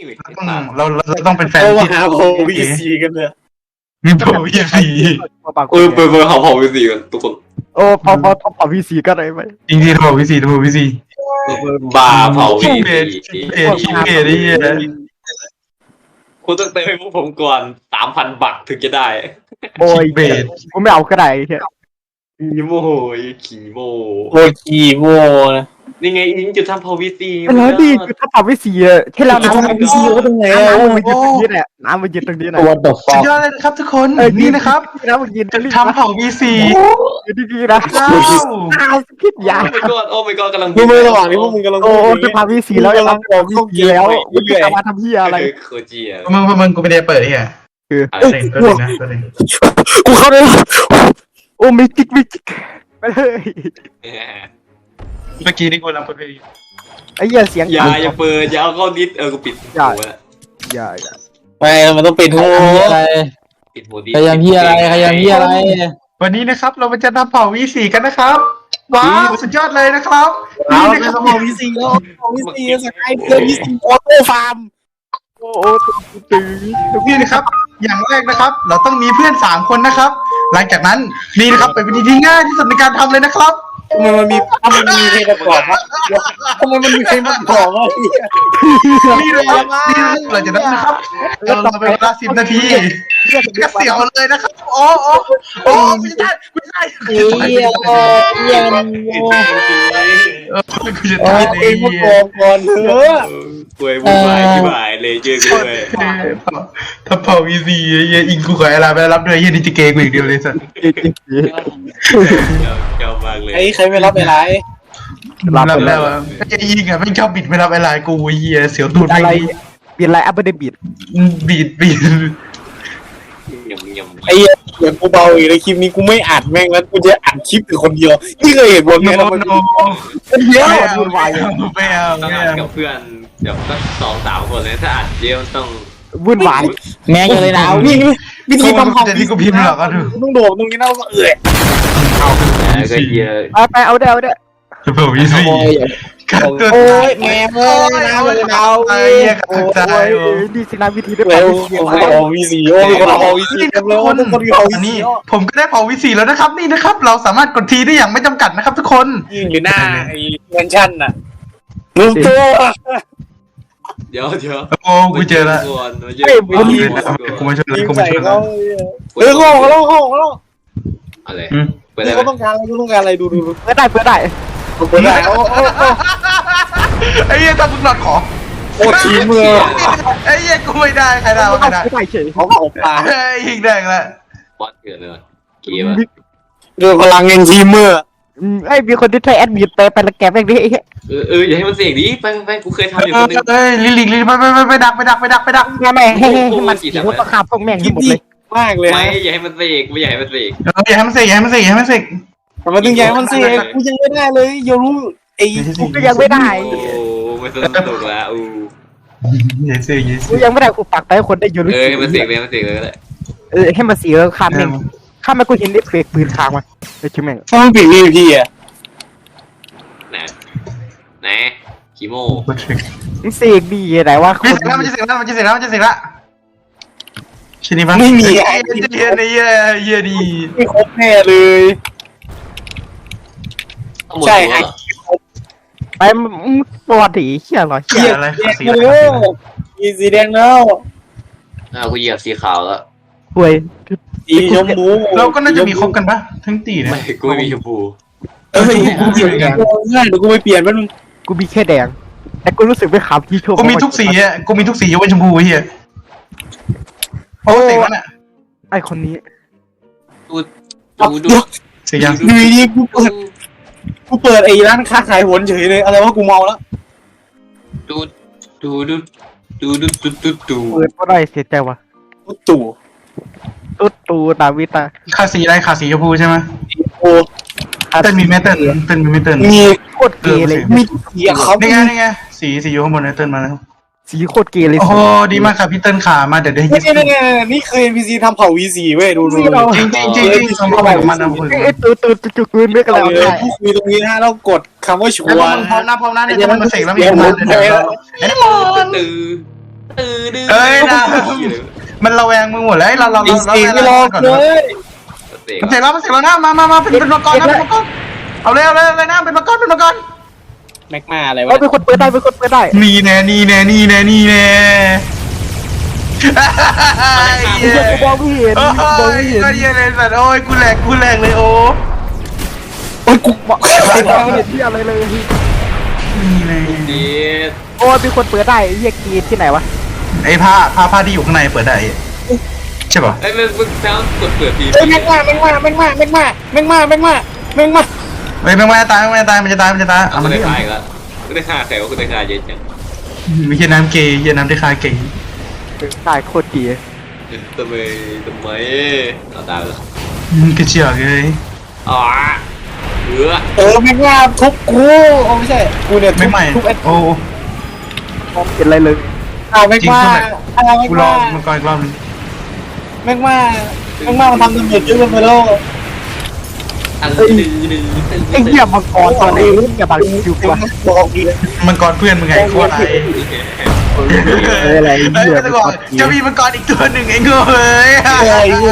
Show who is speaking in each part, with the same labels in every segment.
Speaker 1: เราต้องเป็นแฟน
Speaker 2: เรา
Speaker 1: ที่
Speaker 2: หาโพวีซีกันเลย
Speaker 1: มีโพวีซี
Speaker 3: เปิดเขาเผาไปสี่กันทุกคน
Speaker 4: โอ้พอพีซีก็ได้ไหม
Speaker 1: จริงๆโพวีซี
Speaker 3: บาเผา
Speaker 1: ชิ
Speaker 3: วี
Speaker 1: งเบส
Speaker 3: สี่
Speaker 1: ชิงเบสนี่
Speaker 3: คุณต้องเติมให้พวกผมก่อน3,000 บักถึงจะได้
Speaker 4: โอ้ย
Speaker 1: เบส
Speaker 4: กูไม่เอาก็ได้แค่
Speaker 3: ขี่โมขี่โม
Speaker 2: โอ้กีโมนะ
Speaker 3: นี่ไงอิงจะทำเผาวีซี
Speaker 4: แล้วนี่คือถ้าพีซีแค่เราน้ำ
Speaker 2: วีซีก็ตรงไหน
Speaker 4: น้ำมันยืนตรงนี้แหละน้ำมันยืนตรงนี้แหละ
Speaker 2: ตัวต่อฟ
Speaker 1: สุ
Speaker 2: อ
Speaker 1: ด
Speaker 2: ง
Speaker 1: ยอดเลยนะครับทุกคนนี่นะครับ
Speaker 4: น้ำมันยืน
Speaker 1: จะทำเผาวีซี
Speaker 4: ยืนดีๆนะ
Speaker 1: ว้าว
Speaker 4: อ้าวพิษยา
Speaker 3: โอ้ my god กำลัง
Speaker 2: ดูมือระหว่างนี้พวกมึงกำลัง
Speaker 4: โอ้จะพาพีซีแล้วจะมาบอกพีซีแล้วมึงจะมาทำเพี้ยอะไร
Speaker 3: โคจิอ่ะ
Speaker 1: มึงกูไม่ได้เปิดเฮีย
Speaker 3: อะไร
Speaker 1: ตัวหนึ่งนะตัวหนึ่ง
Speaker 2: กูเข้าได้แล้ว
Speaker 4: โอ้มิจิกไปเลย
Speaker 1: เมื่อกี้นี่กูรับเปิด
Speaker 4: ไอ้เหี้ยเสียง
Speaker 3: อย่าเปิดอย่าเอาเข้าดิสกูปิดหัวแล้ว
Speaker 4: อย่า
Speaker 2: ไม่มันต้องเป็นโฮอะไร
Speaker 3: ปิดหัวดิส
Speaker 2: พยายามเฮียอะไรพยายามเฮียอะไร
Speaker 1: วันนี้นะครับเราจะทำเผาวีซีกันนะครับว้าวสุดยอดเลยนะครับ
Speaker 2: เอา
Speaker 1: นี่
Speaker 2: ไป
Speaker 1: นะครับ
Speaker 2: สมองวีซีแล้ววีซีสกายเพื่อนวีซีออโต้ฟาร์ม
Speaker 4: โอ้ตื่น
Speaker 1: นี่นะครับ อย่างแรกนะครับ เราต้องมีเพื่อน3คนนะครับ หลังจากนั้นนี่นะครับเป็นวิธีที่ง่ายที่สุดในการทำเลยนะครับ
Speaker 2: ทำไมมันมีเพลงประกอบวะทำไมมันมีเพลงประกอบวะ
Speaker 1: นี่เลยครับนี่เราจะนั้นนะครับเราไปเวลา10 นาทีก็เสียวเลยนะครับโอ้ไม่ใช่
Speaker 2: เฮียเฮีย
Speaker 1: กูจะ
Speaker 2: โอ้
Speaker 1: ตาย
Speaker 2: ย
Speaker 1: เล
Speaker 2: เพล
Speaker 1: ย
Speaker 2: งประกอบก่อนเถอะ
Speaker 3: ป่วยบุญบายที่บ่ายเลยเจอกูเลย
Speaker 1: ถ้าเผาวีซีอิงกูขออะไรไปรับด้วยยี่นี่จะเกย์กูอีกเดียวเลยสัส
Speaker 3: เจ้ามากเลย
Speaker 2: ไอ้ใครไม่รับอะไร
Speaker 1: รับแล้วไอ้ยิงอ่ะไม่ชอบบิดไม่รับอะไรกูเฮียเสียวตูด
Speaker 4: อะไร
Speaker 1: ไม่
Speaker 4: เปลี่ยนอะไรอัปเดตบิด
Speaker 1: บีด
Speaker 3: ยำ
Speaker 2: ไอ้เหี้ยเดี๋ยวกูเบาอีกในคลิปนี้กูไม่อัดแม่งแล้วกูจะอัดคลิปแต่คนเดียวนี่เคยเห็นบน
Speaker 1: โน
Speaker 2: ไหม
Speaker 1: โน
Speaker 2: คนเดียว
Speaker 1: ไม่เอา
Speaker 3: ต้องอัดกับเพื่อนเดี๋ยวสัก2-3 คนเลยถ้าอัดเดียวต้อง
Speaker 4: วุ่นวาย
Speaker 2: แม่งเลยนะนี่วิธีทำ
Speaker 1: แต่ที่กูพิมพ์หรอกก็ดู
Speaker 2: ต้องโดดตรงนี้นะแล้วก็เอื่อย
Speaker 3: ก็เยอะ
Speaker 4: ไปเอาได้
Speaker 1: จะเผาวีซีกัดตัว
Speaker 2: โอ้ยแม่เอ้ยน้ำเลยน้ำ
Speaker 1: ไอ้เหี้ยกัดใจ
Speaker 4: โอ้ยนี่สินะวิธีได้
Speaker 2: เร็ว
Speaker 4: เสีย
Speaker 2: โอ้โหวีซีโอ้ยคนเอาวีซีเต็มเลยทุกคนเอาวี
Speaker 1: อัน
Speaker 2: ซี
Speaker 1: นี้ผมก็ได้เผาวีซีแล้วนะครับนี่นะครับ เราสามารถกดทีได้อย่างไม่จำกัดนะครับทุกคน
Speaker 2: ยิงอยู่หน้าไอ้แมนชั่นน่ะลืมตัว
Speaker 3: เดี๋ยว
Speaker 1: โอ้กูเจอละ กูมาช่วย
Speaker 2: ยิง
Speaker 1: กูมา
Speaker 2: ใส่
Speaker 1: ช่วย
Speaker 2: เขาเออเขาเขาเขา
Speaker 3: อะไร
Speaker 1: อืม
Speaker 3: เปิดได้
Speaker 2: นี่
Speaker 3: ไหม
Speaker 2: เขาต้องการอะไรกูต้องการอะไรดู
Speaker 4: เพื่อได้
Speaker 2: เปิดได้โอ้
Speaker 1: ไอ้เหี้ยถ้ามึงหลอดขอ
Speaker 2: โอ้ทีมือ
Speaker 1: ไอ้เหี้ยกูไม่ได้ใครได้ใครได้
Speaker 4: ไม่เฉย
Speaker 2: เขาเอาปลา
Speaker 1: เฮ้ยยิงแดงละ
Speaker 3: บอสเกิดเลยเกมอะ
Speaker 2: เรื่องพลังเงินทีมือ
Speaker 4: ไอ้มีคนที่ใช้แอดมิดไปละแกแม่งดิ
Speaker 3: อย่าให้มันเสียงดิไปกูเคยทำอยู่คนนึง
Speaker 1: เฮ้ยลิงไปดัก
Speaker 4: แม่ให้มันสีหัวตะขาบพวกแม่ง
Speaker 2: คิ
Speaker 4: ทั้
Speaker 2: ด
Speaker 4: งหมด
Speaker 2: ดี
Speaker 4: เลย
Speaker 2: มากเลย
Speaker 3: ไม่อย่าให้มันเสกไม่อย่าให้มันเสก
Speaker 1: อย่าให้มันเสกอย่าให้มันเสกอย่าให้มันเสก
Speaker 2: ทำไมถึงใหญ่มันสิกูยังไม่ได้เลยอย่ารู้ไอ้
Speaker 4: กูก็ยังไม่ได้
Speaker 3: โอ้ไม่สนุกละอู้
Speaker 1: อย่าเสกอย่าเส
Speaker 4: กู
Speaker 1: ก
Speaker 4: ยังไม่ได้กูปักไปคนได้ยูริ
Speaker 3: ให้มันเสกเลยมันเสกเลยก็ได้
Speaker 4: ให้มันสีแล้วข้ามแม่งข้ามไปกูเห็นเอฟเฟกต์ปืนค้างมันไอ้ชิแม่ง
Speaker 2: เพราะมันปิด VP อ่ะ
Speaker 3: ไหนคีโม
Speaker 4: มันเสกดีไหนว่าค
Speaker 1: มัน
Speaker 4: น
Speaker 1: จะเสกแล้วชินี่ปะ
Speaker 2: ไม่มี
Speaker 1: ไอ้เหี้ยนี่เหี้ยดี
Speaker 2: ไม่ครบแน่เลย ใช่ไอ้
Speaker 4: ไปปวดถีเชี่ยหรอ
Speaker 1: เหี้ยอะไรสี
Speaker 2: เร็วมีสีแดงแล้ว
Speaker 3: กูเหยียบสีขาวแล้ว
Speaker 4: ป่วย
Speaker 2: สีชมพู
Speaker 1: เราก็น่าจะมีครบกันปะทั้งตีเนี่ย
Speaker 3: ไม่กูไม่มีชมพู
Speaker 2: เอ้ยกูเปลี่ยนง่ายเดี๋ยวกูไปเปลี่ยนมัน
Speaker 4: กูมีแค่แดงแต่กูรู้สึกไม่ขำที่โชว์
Speaker 1: กูมีทุกสีอ่ะกูมีทุกสียกเว้นชมพูเหี้ยโอ้เสกแล้วน่ะ
Speaker 4: ไอ้คนนี้
Speaker 3: ดู
Speaker 1: เสกยัง
Speaker 2: ดูดีกูเปิดไอ้ร้านค้าขายหวนเฉยเลยอะไรวะกูเมาแล้ว
Speaker 3: ดู
Speaker 4: เปิดก็ได้เสียใจว่ะ
Speaker 2: ตู่
Speaker 4: ตุ๊ดตูดาวิตา
Speaker 1: ขาสีอะไรขาสีชมพูใช่ไหม
Speaker 2: โอ้
Speaker 1: เต้นมีไหมเต้นมีไหมเต้น
Speaker 2: มี
Speaker 4: โคตรเกย์เลย
Speaker 2: มีสีอะครับ
Speaker 1: นี่ไงสีอยู่ข้างบนนะเต้นมาแล้ว
Speaker 4: สีโคตรเกย์เลย
Speaker 1: โอ้โหดีมากครับพี่เติ้ลขามาเดี๋ยวได้ยิ
Speaker 2: นี่คือ NPC ทำเผ่า V4 เว้ยดู
Speaker 1: จริงทำอะไรของมันนะคุณ
Speaker 4: ไอ้ตุ๊ดจุกปืนไม่กันแล้ว
Speaker 2: ผู้คุยตรงนี้นะแล้วกดคำว่าชัว
Speaker 1: พร้อมนะเนี่ยจะมันมาเสกแล้วมีมันไอ้นี่มัน
Speaker 3: ตื่น
Speaker 1: เอ้ยนะมันระแวงมึงหมดแล้วเรา
Speaker 2: อีสีไม่รอ
Speaker 1: ก่อน
Speaker 2: เลย
Speaker 1: มันเสร็จแล้วนะมาเป็นมังกรนะมังกรเอาเลยนะเป็นมังกร
Speaker 2: แม็กมาอะไรวะ
Speaker 4: เป็นคนเปิดได้
Speaker 1: นี่แน่
Speaker 4: ไอ้เหี้ยกูมองไม่เห็น
Speaker 1: โอ้ยก็เหี้ยเลยสัตว์โอ้ยกูแหลกเลยโอ้
Speaker 2: โอ้ยกู
Speaker 4: มองไม่เห็นที่อะไรเลย
Speaker 1: นี่เลย
Speaker 3: ดี
Speaker 4: โอ้เป็นคนเปิดได้ไอ้เหี้ยกีที่ไหนวะ
Speaker 1: ไอ้ผ้าที่อยู่ข้างในเปิดได้ใช่ป่ะ
Speaker 3: ไอ้เรื่องมึงแล้วกดเปิดที
Speaker 2: เฮ้ยแม็กมาเฮ้ยแม็กมา
Speaker 1: ตายมันจะตาย
Speaker 3: เอาไม่ได้ขายก็ไม่ได้ค่าแถวก็ได้ค่าเยอะจัง
Speaker 1: ไม่ใช่น้ำเกย์น้ำที่คาเกย์
Speaker 4: ได้โคตรดี
Speaker 3: ทำไมเอาตายแล้ว
Speaker 1: กระเจียกเลย
Speaker 3: อ๋อ
Speaker 2: แม็กมาทุบกูโอ้ไม่ใช่กูเนี่ย
Speaker 1: ไม่ใหม่
Speaker 2: ทุบไอ้
Speaker 1: โอ้
Speaker 4: มองเห็นอะไรเลย
Speaker 2: แม็กมาแม็ก
Speaker 1: กูรอ
Speaker 2: มา
Speaker 1: มันก่อนอีกรอบนึง
Speaker 2: แม็กมามันทำดาเมจเยอะไปแล้ว
Speaker 3: อัน
Speaker 4: ไอ้เหี้ยมังกรตอนนี้อย่าบังอยู่กว่า
Speaker 2: บอกดี
Speaker 1: มันก่อนเพื่อนมึงไงโคตร
Speaker 4: อะไร
Speaker 1: เฮ้ย
Speaker 4: เหี้ย
Speaker 1: จะบอกจะมีมันก่อนอีกตัวหนึ่งไอ้เงย
Speaker 4: อะไรกี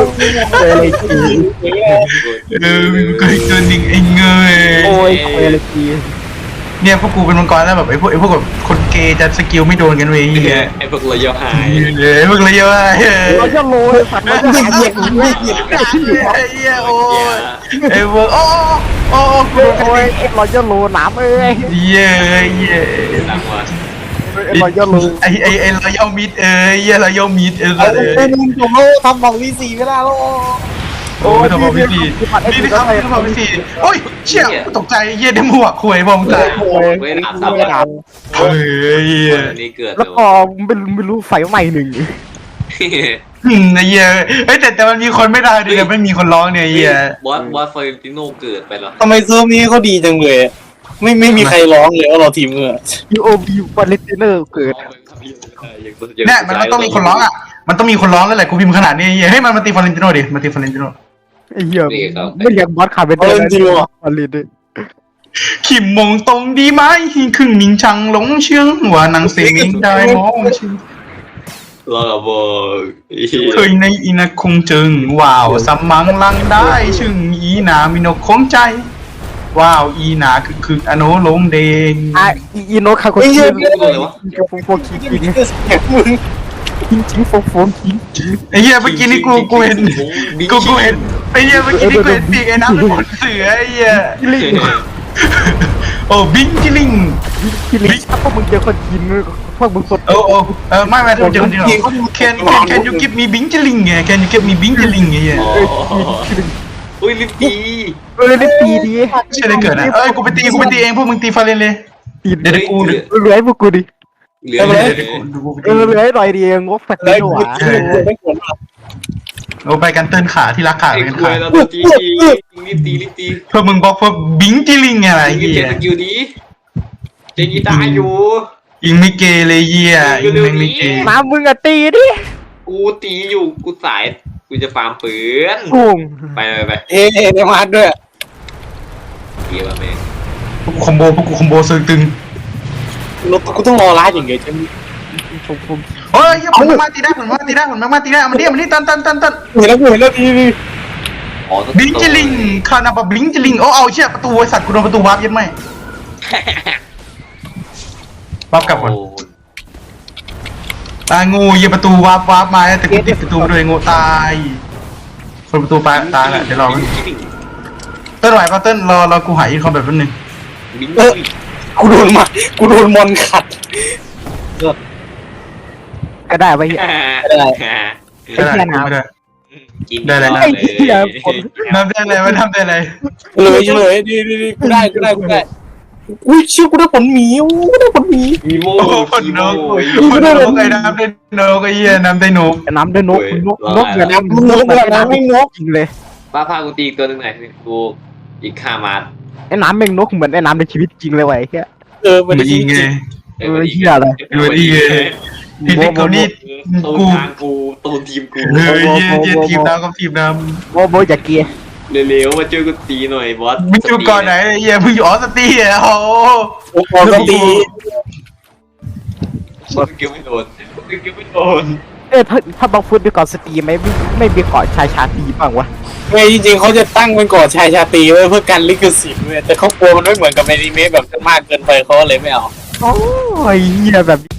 Speaker 1: มีมันก่อนอีกตัวหนึ่งไอ้เงย
Speaker 4: โอ้ยอะไรกี
Speaker 1: เนี่ยพวกกูเป็นมังกรแล้วแบบไอ้พวกแบบคนเกย์จะสกิลไม่โดนกันเว้ยเฮีย
Speaker 3: ไอ้พวกเราเยอะหาย
Speaker 1: เลยพวกเลยเยอะ
Speaker 4: เราจะโรยสัตว์เราจะหายเหี้ย
Speaker 1: เฮียโอ้ยไอ้พวกโอ้กู
Speaker 4: โอ้ยเราจะโรน้ำเอ้ย
Speaker 1: เฮีย
Speaker 3: ดังว่ะ
Speaker 4: เราจะโร
Speaker 1: ไอ้เราย่อมิดเฮียเราย่อมิด
Speaker 2: เป็นผมทำบอกวีซีไม่ได้แล้ว
Speaker 1: โอ้ยทำมาพี่สี่นี่นะครับทำมาพี่สี่โอ้ยเชี่ยตกใจเฮียได้หมวกคุยบอมตาย
Speaker 3: เว้นอาบน้ำ
Speaker 4: ไม่น้
Speaker 1: เฮ้ย
Speaker 3: วันนี้เกิด
Speaker 4: ำแล้วก็ไม่รู้ไฟใหม่หนึ่ง
Speaker 1: ไอ้เฮียเฮ้ยแต่มันมีคนไม่ได้ดิแต่ไม่มีคนร้องเนี่ยเฮีย
Speaker 3: บอสเฟอร์ติโนเกิดไปแล้ว
Speaker 2: ทำไมเซิร์ฟนี้เขาดีจังเลยไม่มีใครร้องเลยว่าเราทีมเงือ
Speaker 4: UOB วอลเลนติเนอร์เกิด
Speaker 1: เนี่ยมันต้องมีคนร้องอ่ะมันต้องมีคนร้องแล้วแหละกูพิมพ์ขนาดนี้เฮียให้มันตีฟอเรนติโนดิมาตีฟอเรนติโน
Speaker 4: ไอ้เหี้ยไม่อยากบอสขาเป็นวอลเลนติเนอร์
Speaker 1: ขิมมงตรงดีไหมครึ่งมิงชังหลงเชื่องว่านังเสียงได้มองชื่อ
Speaker 3: รอกับบอก
Speaker 1: เคยในอีนักคงจึงว้าวสมังลังได้ชึงอีหนามีนกคงใจว้าวอีหนาคืออโนลงเดง
Speaker 4: อีโนคาโกชิโฟกิจริง
Speaker 2: มึง
Speaker 4: จริงโฟกิจริง
Speaker 1: ไอ้เหี้ยเมื่อกี้นี่กูเห็นไอ้เหี้ยเมื่อกี้นี่กูเห็นปีกไอ้น้ำเป็นขนเสือไอ้เหี้ย
Speaker 4: ลิง
Speaker 1: โอ้บิงจิลิง
Speaker 4: ลิงถ้าพวกมึงเจอคนกินพวกมึงสด
Speaker 1: โอ้ไม่ผมจะคนเดียวcan you give me บิงจิลิงไง can you give me บิงจิลิงไงเหี้ย
Speaker 3: อุ้ยลิปตี
Speaker 4: ได้ปีดี
Speaker 1: ใช่ได้เกิดนะกูไปตีเองพวกมึงตีฟาเรนเลย
Speaker 4: ตี
Speaker 1: เดี๋ยวกู
Speaker 4: เหลือให้พวกกูดิ
Speaker 3: เหลือเลย
Speaker 4: เหลือให้หน่อยดีงบแฟต
Speaker 2: แล้
Speaker 4: ตี้
Speaker 2: ว
Speaker 4: หวา
Speaker 2: ไม่ควร
Speaker 1: โอ้ไปกันเติ้นขาที่รักขา
Speaker 3: ไอ้
Speaker 1: กัน
Speaker 3: คุ
Speaker 1: ขาย
Speaker 3: เราตัวจีรีบตี
Speaker 1: เพื่อมึงบอกว่าบิงจิลิงอะไร
Speaker 3: ยิง
Speaker 1: เหี้ย
Speaker 3: เจสกิลดีเจกีตาอยู่
Speaker 1: ยิงไม่เกเลยเหี้ยยิงไม่เก
Speaker 4: น้ำมึงอะตีดิ
Speaker 3: กูตีอยู่กูสายกูจะฟาร์มปืน
Speaker 4: กุ้ง
Speaker 3: ไป
Speaker 2: เอ๊ะมาด้วย
Speaker 3: เกี่ยวแม่ง
Speaker 1: พวกกูคอมโบซึงตึง
Speaker 2: กูต้องรอร้านอย่างเงี้ยจะ
Speaker 1: เฮ้ยผมมาตีได้เอามันดิตัน
Speaker 2: เห็นแล้วดี
Speaker 3: อ๋อ
Speaker 1: บิงจิลิงคานาบะบิงจิลิงโอ้เอาเชี่ยประตูไอ้สัตว์กูโดนประตูวาร์ปยัดไหมวาร์ปกลับก่อนตายงูยิงประตูวาร์ปมาแต่กูติดประตูด้วยงูตายคนประตูตายแหละเดี๋ยวรอเต้นไหวป่ะเต้นรอกูหายอีกคอมแบบนึง
Speaker 3: บิง
Speaker 2: กูโดนมอนขัด
Speaker 4: ก็ได้ไปเหี้ย
Speaker 1: ได้ไม่ได้
Speaker 3: กิน
Speaker 4: ไอ้เหี้ยคน
Speaker 1: ทำได้อะไรไม่ทำได้อะไร
Speaker 2: เลยดีกูได้อุ้ยเชื่อกูได้ผลหมีได้ผลหมี
Speaker 3: อีโม่
Speaker 1: โอ้คนนกไอ้น้ำได้นกไอ้เหี้ยน้ำได้นก
Speaker 4: น้ำด้วยนกอย่าน้ำน้ำไม่นกจริงเลย
Speaker 3: ป้าพากูตีอีกตัวนึงหน่อยกูอีก5 มาร์ท
Speaker 4: ไอ้น้ำแม่งนกเหมือนไอ้น้ำในชีวิตจริงเลยว่ะไอ้เหี้ย
Speaker 2: มัน
Speaker 1: มันยิงไง
Speaker 4: เหี้ยอะไร
Speaker 1: ดูดินี่กูนี่
Speaker 3: ตูนทางกูตูนทีมกู
Speaker 1: เฮ้ยทีมน้ำกับทีมน้ำ
Speaker 4: โบอย่าเกียร์
Speaker 3: เร็วๆมาเจอกูตีหน่อยบอส
Speaker 1: มึงอยู่ก่อนไหนเหี้ยมึงอยู่ออสตีอ่ะโอ้
Speaker 2: พอต้องตี
Speaker 3: เกี่ยวไม่โดนเกี่ยวไม่โดน
Speaker 4: ถ้าบางฟุตด้วยก่อนสตรีไม่มีเกาะชายชาตรีบ้างวะ
Speaker 2: ไม่จริงๆเขาจะตั้งเป็นก่อชายชาตรีไว้เพื่อกันลิขสิทธิ์เว้ยแต่เขากลัวมันไม่เหมือนกับอนิเมะแบบมากเกินไปเขาเลยไม่เอา
Speaker 4: โอ้ยเหี้ยแบบ